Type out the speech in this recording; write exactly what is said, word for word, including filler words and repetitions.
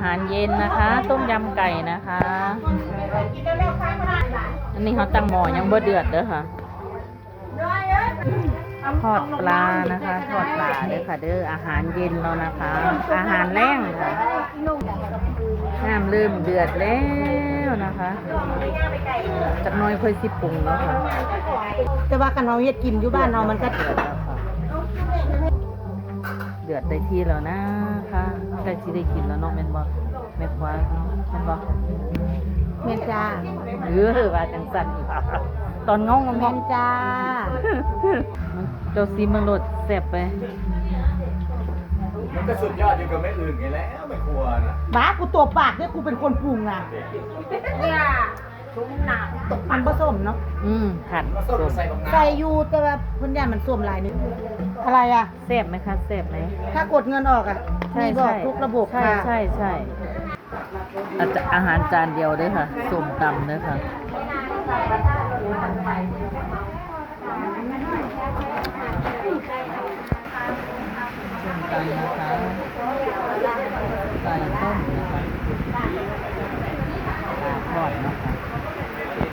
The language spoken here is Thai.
หารเย็นนะคะ ต้มยำไก่นะคะอันนี้เขาตั้งหม้อยังบ่เดือดเด้อค่ะทอดปลานะคะทอดปลาเด้อค่ะเด้ออาหารเย็นแล้วนะคะ อาหารแรงค่ะน้ำเริ่มเดือดแล้วนะคะจากน้อยค่อยสิปรุงแล้วค่ะแต่ว่ากันเราเฮ็ดกินอยู่บ้านเรามันก็เดือดแล้วค่ะเดือดได้ที่แล้วนะคะใกล้ที่ได้กินแล้วเนาะแม่นบ่แม่คว้าแม่นบ่เมนจ้าเออว่าจังสั่นอีกค่ะตอนงองงเมองนจ้ามันเจ้าซีมันโลดแซ่บไปมันก็สุดยอดอยู่กับไม่อื่นไงแล้วไม่ควรอ่ะบ้ากูตัวปากเนี่ยกูเป็นคนปรุงอ่ะเนี่ยชุ่มหนาตกมันผสมเนาะอืมขัดก็สส้มมใส่บักน้ใส่อยู่แต่ว่าเพิ่นย่ามันส้มลายนึงอะไรอ่ะแซ่บไหมคะแซ่บไหมถ้ากดเงินออกอ่ะใช่มีบอกใช่ทุกระบบใช่ค่ะใช่ใช่อาจอาหารจานเดียวเด้วยค่ะส้มตำเด้วยค่ะส้มตำนะคะไก่ต้มนะคะปลาทอดนะคะ